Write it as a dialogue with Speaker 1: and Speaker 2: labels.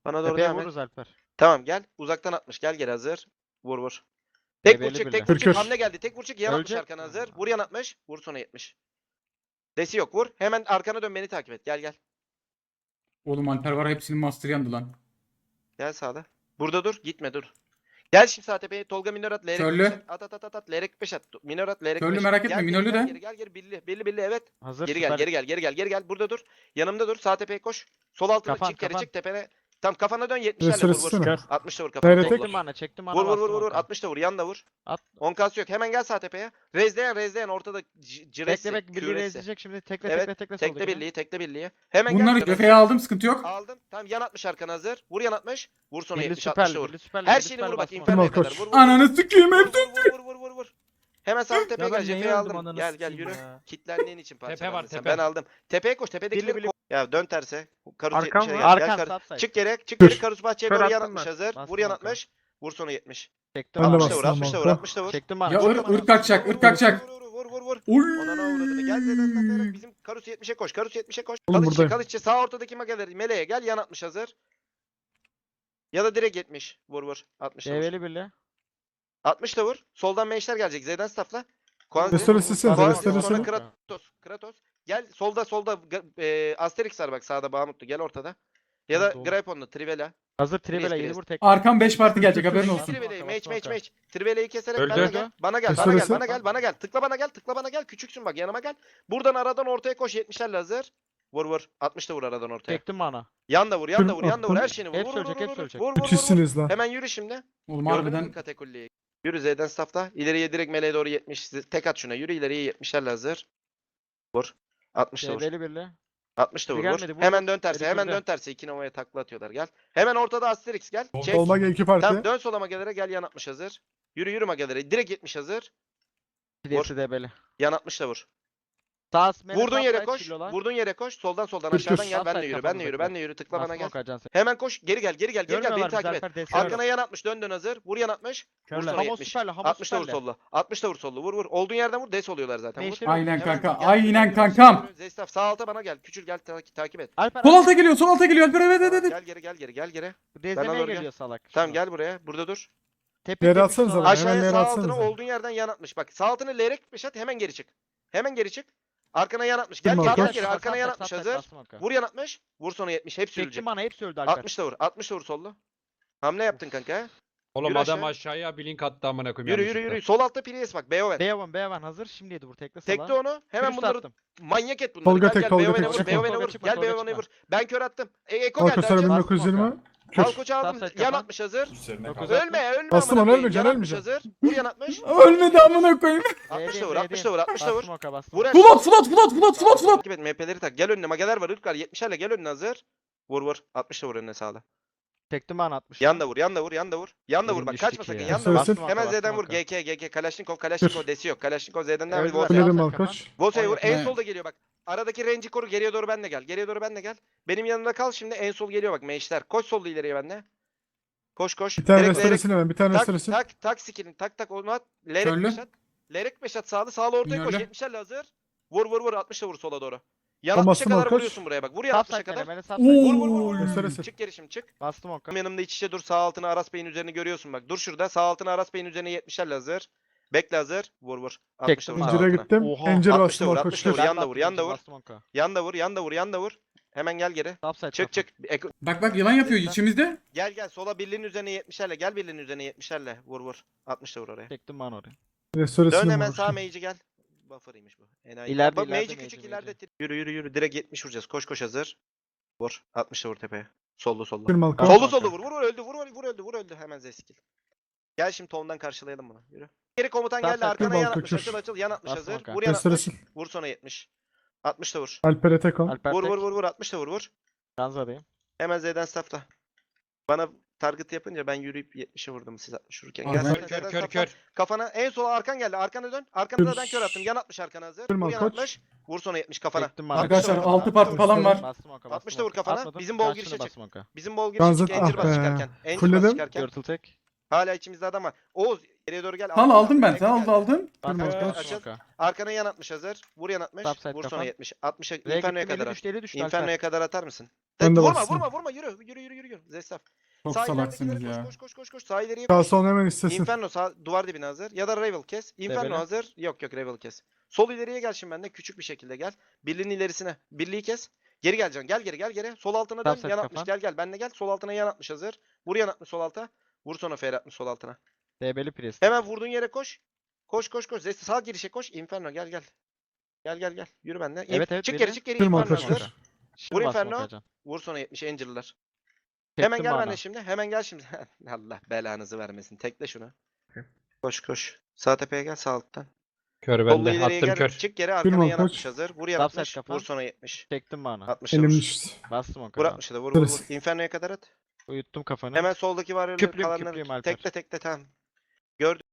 Speaker 1: Bana doğru
Speaker 2: Tepeye
Speaker 1: devam et.
Speaker 2: vururuz Alper.
Speaker 1: Tamam gel. Uzaktan atmış. Gel geri hazır. Vur vur. Tek vur
Speaker 2: Debeli
Speaker 1: çık,
Speaker 2: bile.
Speaker 1: tek vur çık.
Speaker 3: Kırkır.
Speaker 1: Hamle geldi. Tek vur çık. Yan atmış
Speaker 2: Ölecek.
Speaker 1: arkana hazır. Vur yan atmış. Vur sonra 70. Desi yok vur. Hemen arkana dön beni takip et. Gel gel.
Speaker 4: Oğlum Alper var hepsinin master yandı lan.
Speaker 1: Gel sağda. Burada dur. Gitme dur. Gel şimdi sağ tepeye. Tolga minör at. Lerek
Speaker 4: Körlü.
Speaker 1: 5 at. At. Lerek 5 at. Minör at. Lerek 5.
Speaker 4: Körlü merak etme, minörlü de.
Speaker 1: Gel. Billi evet.
Speaker 2: Hazır.
Speaker 1: Geri gel,
Speaker 2: süper.
Speaker 1: geri gel. Burada dur. Yanımda dur. Sağ tepeye koş. Sol altına
Speaker 2: Kafan,
Speaker 1: çık, geri
Speaker 2: kafan.
Speaker 1: çık tepene. Tam kafana dön 70'lerle vur
Speaker 3: Restoresine
Speaker 1: vur.
Speaker 3: mi?
Speaker 1: 60 da vur kafana.
Speaker 3: Nereye tek?
Speaker 2: Çektim bana, çektim bana.
Speaker 1: Vur
Speaker 2: bastım
Speaker 1: vur.
Speaker 2: onka.
Speaker 1: 60 da vur. Yan da vur.
Speaker 2: At.
Speaker 1: 10 kas yok. Hemen gel sağ tepeye. Rezleyen ortada ciresi.
Speaker 2: Bekle birliği
Speaker 1: küresi.
Speaker 2: ezecek şimdi. Tekle
Speaker 1: Evet,
Speaker 2: tekle
Speaker 1: Tekle birliği. Hemen
Speaker 4: Bunları
Speaker 1: gel.
Speaker 4: göfeye aldım, sıkıntı yok.
Speaker 1: Aldım. Tamam yan 60 arkana hazır. Vur yan 60. Vur sonra
Speaker 2: Birli
Speaker 1: 70
Speaker 2: süper.
Speaker 1: 60 da vur.
Speaker 2: Birli süper.
Speaker 1: Her
Speaker 2: birli
Speaker 1: şeyini
Speaker 2: süper
Speaker 1: vur bak.
Speaker 2: bastım
Speaker 1: Inferno'ya
Speaker 3: Tamam,
Speaker 1: kadar.
Speaker 3: koş.
Speaker 1: Vur.
Speaker 4: Ananı sikeyim hep.
Speaker 1: Vur. Hemen sağ tepeye
Speaker 2: Ya ben
Speaker 1: gel.
Speaker 2: neyi
Speaker 1: Cepheyi
Speaker 2: öldüm
Speaker 1: aldım.
Speaker 2: ananı
Speaker 1: Gel
Speaker 2: sikeyim
Speaker 1: yürü.
Speaker 2: ya.
Speaker 1: Kitlendiğin için
Speaker 5: var,
Speaker 1: parçalandın sen.
Speaker 5: tepe.
Speaker 1: Ben aldım. Tepeye koş. Tepedekileri
Speaker 2: Birli.
Speaker 1: Ya dön terse. Karus
Speaker 5: Arkam
Speaker 1: 70'e
Speaker 5: var.
Speaker 1: gel.
Speaker 2: Arkan
Speaker 1: Gel
Speaker 2: subside.
Speaker 1: Çık geri. Çık
Speaker 3: Dur.
Speaker 1: geri. Karus bahçeye
Speaker 5: Kör
Speaker 1: doğru yan
Speaker 5: attım
Speaker 1: 60
Speaker 5: ben.
Speaker 1: hazır.
Speaker 2: Bastım
Speaker 1: Vur yan
Speaker 2: kanka.
Speaker 1: 60. Vur sonra 70.
Speaker 2: Çektim
Speaker 3: Ben de
Speaker 2: bana.
Speaker 1: 60 da vur.
Speaker 3: bastım
Speaker 1: 60 da vur.
Speaker 3: kanka.
Speaker 1: 60 da vur.
Speaker 2: Çektim bana.
Speaker 4: Ya
Speaker 2: çektim bana.
Speaker 4: ırk kaçacak, ırk kaçacak.
Speaker 1: Vur.
Speaker 4: Oy.
Speaker 1: Ona ne uğradığını. Gel Z'den saklayarak bizim Karus 70'e koş. Karus 70'e koş.
Speaker 3: Oğlum
Speaker 1: Kılıççı
Speaker 3: buradayım.
Speaker 1: Kılıççı sağ ortadaki mageleri meleğe gel yan 60 hazır. Ya da direkt 70. Vur. 60 da vur.
Speaker 2: Develi birli.
Speaker 1: 60 da vur. Soldan meşler gelecek. Z'den staffla. Kuanzi.
Speaker 3: Restore silsene,
Speaker 1: Kuanzi,
Speaker 3: restore
Speaker 1: sonra
Speaker 3: sil.
Speaker 1: Kratos. Gel solda Asterix var bak sağda Bahamutlu. Gel ortada. Ya da
Speaker 2: Doğru.
Speaker 1: Graypon'la Trivela.
Speaker 2: Hazır Tribela
Speaker 1: Priest,
Speaker 2: 7
Speaker 1: Priest.
Speaker 2: vur tek.
Speaker 4: Arkam 5 parti gelecek haberin
Speaker 1: Meç
Speaker 4: olsun.
Speaker 1: Trivele'yi
Speaker 2: Bastım,
Speaker 1: meç.
Speaker 2: bastım.
Speaker 1: Trivele'yi keserek
Speaker 5: Öldü.
Speaker 1: bana gel. Bana gel.
Speaker 3: Restoresi.
Speaker 1: Bana gel. Tıkla bana gel. Küçüksün bak yanıma gel. Buradan aradan ortaya koş 70'lerle hazır. Vur. 60 da vur aradan ortaya.
Speaker 2: Çektim bana.
Speaker 1: Yan da vur. Her şeyini vur.
Speaker 2: Hepsi
Speaker 1: Vur.
Speaker 2: ölecek, hepsi ölecek.
Speaker 1: Vur.
Speaker 3: Müthişsiniz lan.
Speaker 1: Hemen yürü şimdi.
Speaker 4: Oğlum
Speaker 1: Gördün mü
Speaker 4: harbiden
Speaker 1: katakulliyi? Yürü Z'den staffla. İleriye direkt meleğe doğru 70. Tek at şuna. Yürü ileriye 70'lerle hazır. Vur. 60 da vur.
Speaker 2: Develi birli.
Speaker 1: 60 da vur.
Speaker 2: Gelmedi, vur,
Speaker 1: Hemen
Speaker 2: vur.
Speaker 1: dön terse.
Speaker 2: Eli kırdı.
Speaker 1: 2 Nova'ya takla atıyorlar. Gel. Hemen ortada Asterix gel. Çek.
Speaker 3: Olma gel iki parti.
Speaker 1: Tamam dön sola magelere gel yan 60 hazır. Yürü magelere. Direkt 70 hazır.
Speaker 2: Pidesi debeli.
Speaker 1: Yan 60 da vur.
Speaker 2: Sağ
Speaker 1: Vurduğun yere koş. Vurduğun yere koş. Soldan
Speaker 3: Kır,
Speaker 1: aşağıdan
Speaker 3: kır.
Speaker 1: gel.
Speaker 2: Offside
Speaker 1: Ben
Speaker 2: kafamızda
Speaker 1: de yürü. Tıkla bana gel.
Speaker 2: Gel.
Speaker 1: Hemen koş. Geri gel. Beni takip et. Arkana yan 60. Dön hazır. Vur yan 60. Vur sonra
Speaker 2: Hamo
Speaker 1: 70.
Speaker 2: süperli. Hamo
Speaker 1: 60 da vur
Speaker 2: süperli.
Speaker 1: sollu. 60 da vur sollu. Vur. Olduğun yerden vur. Des oluyorlar zaten. Vur.
Speaker 2: Meşleri-
Speaker 4: aynen
Speaker 1: Hemen
Speaker 4: kanka.
Speaker 1: gel,
Speaker 4: Aynen
Speaker 1: yürü,
Speaker 4: kankam.
Speaker 1: yürü. Zestaf sağ alta bana gel. Küçül gel takip et.
Speaker 2: Alper
Speaker 4: Sol alta geliyor, Alper evet.
Speaker 1: Gel geri.
Speaker 2: Dezlemeye
Speaker 1: doğru gel.
Speaker 2: geliyor salak.
Speaker 1: Tamam gel buraya. Burada dur.
Speaker 2: Tepe
Speaker 3: Yere
Speaker 2: tepe
Speaker 3: atsanıza
Speaker 2: salak.
Speaker 3: lan.
Speaker 1: Aşağıya
Speaker 3: Hemen
Speaker 1: sağ
Speaker 3: yere
Speaker 1: altına
Speaker 3: atsanıza.
Speaker 1: olduğun yerden yan atmış. Bak sağ altına lerek 5 at hemen geri çık. Arkana yan atmış.
Speaker 3: Tamam,
Speaker 1: Gel
Speaker 3: kaç?
Speaker 1: geri. Arkana yan atmış hazır. Vur yan atmış. Vur sonra 70. Hepsi ölecek.
Speaker 2: Çektim bana hepsi öldü Alper.
Speaker 1: 60 da vur. 60 da vur sollu. Hamle yaptın kanka.
Speaker 5: Oğlum
Speaker 1: Yürü
Speaker 5: adam
Speaker 1: aşağı.
Speaker 5: aşağıya bir link attı amına koyayım.
Speaker 1: Yürü. Sol altta Prius bak. Beoven.
Speaker 2: B1 hazır. Şimdi yedi vur tekle sala.
Speaker 1: Tekle onu. Hemen
Speaker 2: Kürüstü
Speaker 1: bunları
Speaker 2: attım.
Speaker 1: manyak et bunları.
Speaker 3: Tolga
Speaker 1: Gel
Speaker 3: tek,
Speaker 1: gel.
Speaker 3: Tolga
Speaker 1: Beoven'e
Speaker 3: tek,
Speaker 1: vur.
Speaker 3: çıkma.
Speaker 1: Beoven'e
Speaker 2: Tolga
Speaker 1: vur.
Speaker 2: çıkma,
Speaker 1: Gel
Speaker 2: Tolga
Speaker 1: Beoven'e
Speaker 2: çıkma.
Speaker 1: vur. Ben kör attım. Eko geldi.
Speaker 3: Alkoslara
Speaker 1: Açıl.
Speaker 3: 1920. Kür.
Speaker 1: Kalkoç'u aldım.
Speaker 2: Subside
Speaker 1: Yan
Speaker 2: kapan.
Speaker 1: 60 hazır.
Speaker 2: Dokuz
Speaker 1: Ölme.
Speaker 3: Bastım
Speaker 1: amına
Speaker 3: onu,
Speaker 1: koyayım.
Speaker 3: ölmeyeceksin,
Speaker 1: Yan 60
Speaker 3: ölmeyeceksin.
Speaker 1: hazır. Vur yan 60.
Speaker 4: Ölmedi amına koyayım.
Speaker 1: 60 da vur. 60 da vur. 60 da vur.
Speaker 2: Bastım oka bastım.
Speaker 1: Vur
Speaker 2: oka.
Speaker 1: aşağı.
Speaker 4: Flat.
Speaker 1: Takip et MP'leri tak. Gel önüne. Mageler var. Irklar 70'lerle gel önüne hazır. Vur. 60 da vur önüne sağla.
Speaker 2: Çektim bana 60.
Speaker 1: Yan da vur. Yan da vur.
Speaker 2: Elim
Speaker 1: Bak
Speaker 2: düştü
Speaker 1: kaçma
Speaker 2: ki
Speaker 1: sakın.
Speaker 2: ya.
Speaker 1: Yan da vur.
Speaker 3: Bastım
Speaker 1: Hemen
Speaker 2: oka,
Speaker 1: Z'den vur.
Speaker 2: bastım oka.
Speaker 1: GK. Kalaşnikov desi yok. Kalaşnikov Z'den devam et.
Speaker 2: Öldüler.
Speaker 1: Volta'ya.
Speaker 3: Bilirim
Speaker 2: Volta.
Speaker 3: Alkoç.
Speaker 1: Volta'ya vur. En
Speaker 4: Evet.
Speaker 1: solda geliyor bak. Aradaki range'i koru. Geriye doğru benle gel. Benim yanımda kal şimdi. En sol geliyor bak. Meşler. Koş solda ileriye benle. Koş.
Speaker 3: Bir tane
Speaker 1: Direkt
Speaker 3: restoresine ben. Bir tane restoresine.
Speaker 1: tak skill'in. Tak onu at.
Speaker 4: Körlü.
Speaker 1: Lerek 5 at sağlı ortaya koş.
Speaker 4: Minörlü.
Speaker 1: 70'lerle hazır. Vur 60'la vur sola doğru. Yan
Speaker 3: Tamam,
Speaker 1: 60'a kadar
Speaker 3: Alkoç.
Speaker 1: vuruyorsun buraya bak. Vur yan 60'a
Speaker 2: Subside
Speaker 1: kadar.
Speaker 2: beni subside.
Speaker 1: Vur.
Speaker 3: Restoresi.
Speaker 1: Çık geri şimdi çık.
Speaker 2: Bastım oka.
Speaker 1: Tam yanımda iç içe dur. Sağ altına Aras Bey'in üzerini görüyorsun bak. Dur şurada. Sağ altına Aras Bey'in üzerine 70'lerle hazır. Bekle hazır. Vur. 60 da vur.
Speaker 2: Çektim.
Speaker 1: sağ
Speaker 3: İncire
Speaker 1: altına.
Speaker 3: gittim.
Speaker 2: Oha.
Speaker 3: İncir
Speaker 1: 60'ta
Speaker 3: bastım
Speaker 1: vur,
Speaker 3: Alkoç.
Speaker 1: 60'ta vur.
Speaker 3: Kür.
Speaker 1: Yan da vur, yan da vur.
Speaker 2: Bastım oka.
Speaker 1: Yan da vur. Hemen gel geri.
Speaker 2: Subside
Speaker 1: Çık.
Speaker 4: Bak yılan yapıyor içimizde.
Speaker 1: Gel. Sola birliğin üzerine 70'lerle. Gel birliğin üzerine 70'lerle. Vur. 60 da vur oraya.
Speaker 2: Çektim bana oraya.
Speaker 3: Restoresine
Speaker 1: Dön hemen
Speaker 3: vur.
Speaker 1: sağ mage'i gel. Buffer'ıymış bu. Enayi.
Speaker 2: İleride,
Speaker 1: Bak,
Speaker 2: ileride
Speaker 1: mage'i
Speaker 2: mage,
Speaker 1: küçük
Speaker 2: mage.
Speaker 1: ileride. Yürü. Direkt 70 vuracağız. Koş hazır. Vur. 60 da vur tepeye. Sollu.
Speaker 3: Kür Malkoç.
Speaker 1: Sollu vur. Vur öldü. Hemen zeskil. Gel şimdi tondan karşılayalım bunu. Yürü. Geri komutan
Speaker 2: Tamam,
Speaker 1: geldi. Arkana
Speaker 3: kür
Speaker 1: yan
Speaker 3: balkon,
Speaker 1: 60.
Speaker 3: kür.
Speaker 1: Açıl. Yan 60
Speaker 2: Bastım
Speaker 1: hazır.
Speaker 2: oka.
Speaker 1: Vur yan 60.
Speaker 3: Restoresin.
Speaker 1: Vur sonra 70. 60 da vur.
Speaker 3: Alper'e tek on.
Speaker 2: Alper tek.
Speaker 1: Vur. 60 da vur.
Speaker 2: Kanzadayım.
Speaker 1: Hemen Z'den staffla. Bana target yapınca ben yürüyüp 70'e vurdum siz 60 vururken.
Speaker 4: Abi
Speaker 1: Gel
Speaker 4: ben-
Speaker 1: Z'den
Speaker 5: Kör
Speaker 1: staffla.
Speaker 5: kör.
Speaker 1: Kafana en sola arkan geldi. Arkana dön. Arkana ben kör attım. Yan 60 arkana hazır.
Speaker 3: Kırma,
Speaker 1: Vur yan
Speaker 3: koç.
Speaker 1: 60. Vur sonra 70 kafana.
Speaker 2: Çektim bana.
Speaker 4: Arkadaşlar,
Speaker 1: Altı
Speaker 4: 6 parti falan var.
Speaker 2: Bastım oka.
Speaker 1: 60 da vur kafana.
Speaker 2: Atmadım.
Speaker 1: Bizim bol
Speaker 2: Karşına
Speaker 1: girişe çık.
Speaker 2: bastım oka.
Speaker 1: Bizim bol girişe
Speaker 3: Ganzat
Speaker 1: çık. Encir
Speaker 3: ah
Speaker 1: bas
Speaker 3: be.
Speaker 1: çıkarken. Encir bas
Speaker 3: Fulledim.
Speaker 1: çıkarken.
Speaker 2: Turtle tek.
Speaker 1: Hala içimizde adam var. Oğuz Geriye doğru gel.
Speaker 4: Al aldım ben.
Speaker 1: Ekle
Speaker 4: Al
Speaker 1: geldi.
Speaker 4: aldım.
Speaker 2: Bas
Speaker 3: Kırmızı
Speaker 2: açıl,
Speaker 1: açıl.
Speaker 2: Smoke'a.
Speaker 1: Arkana yan atmış hazır. Vur yan atmış.
Speaker 2: Topside
Speaker 1: Vur sonra
Speaker 2: kafan.
Speaker 1: 70. 60'a
Speaker 2: R'ye
Speaker 1: Inferno'ya
Speaker 2: gittim,
Speaker 1: kadar
Speaker 2: eli
Speaker 1: at.
Speaker 2: düştü, eli düştü.
Speaker 1: Inferno'ya
Speaker 2: Alper.
Speaker 1: kadar atar mısın?
Speaker 3: Ben de
Speaker 1: Vurma
Speaker 3: bastım.
Speaker 1: vurma yürü. Yürü. Zestaf.
Speaker 4: Çok
Speaker 1: Sağ
Speaker 4: salaksınız
Speaker 1: ileridekilere
Speaker 4: ya.
Speaker 1: koş. Sağ ileriye
Speaker 3: Sağ
Speaker 1: koş.
Speaker 3: son hemen istesin.
Speaker 1: Inferno sağ duvar dibine hazır. Ya da Ravel kes. Inferno
Speaker 2: Debele.
Speaker 1: hazır. Yok Ravel kes. Sol ileriye gel şimdi bende. Küçük bir şekilde gel. Birliğin ilerisine. Birliği kes. Geri geleceksin. Gel geri. Sol altına dön.
Speaker 2: Topside
Speaker 1: Yan atmış.
Speaker 2: kafan.
Speaker 1: Gel. Benle gel. Sol altına yan atmış hazır. Vur yan atmış sol alta. Vur sonra fer atmış sol altına.
Speaker 2: DB'li priest.
Speaker 1: Hemen vurduğun yere koş. Koş. Zesti sağ girişe koş. Inferno gel. Gel. Yürü bende.
Speaker 2: Evet,
Speaker 1: çık
Speaker 2: biri.
Speaker 1: geri.
Speaker 3: Kırma
Speaker 1: Inferno
Speaker 3: kaç,
Speaker 1: hazır.
Speaker 3: kaç.
Speaker 2: Şimdi
Speaker 1: Vur
Speaker 2: bas
Speaker 1: Inferno.
Speaker 2: Smoke'a can.
Speaker 1: Vur sonra 70 Angel'lar.
Speaker 2: Çektim
Speaker 1: Hemen gel
Speaker 2: bana.
Speaker 1: benimle şimdi. Hemen gel şimdi. Allah belanızı vermesin. Tekle şunu. Koş. Sağ tepeye gel sağ alttan.
Speaker 5: Kör
Speaker 1: Solla
Speaker 5: bende.
Speaker 1: ileriye
Speaker 5: Attım
Speaker 1: gel.
Speaker 5: kör.
Speaker 1: Çık geri arkana
Speaker 3: Kırma
Speaker 1: yan
Speaker 3: koç.
Speaker 1: atmış hazır. Vur yan
Speaker 2: Topside
Speaker 1: atmış.
Speaker 2: kafan.
Speaker 1: Vur sonra 70.
Speaker 2: Çektim bana.
Speaker 1: 60'a
Speaker 3: Elim
Speaker 1: vur.
Speaker 3: düştü.
Speaker 2: Bas Smoke'a
Speaker 1: Vur
Speaker 2: can.
Speaker 1: 60'a da vur.
Speaker 3: Kırız.
Speaker 1: Inferno'ya kadar at.
Speaker 2: Uyuttum kafanı.
Speaker 1: Hemen soldaki var
Speaker 2: Küplüyüm, küplüyüm Alper.
Speaker 1: tekle tamam. Gördün.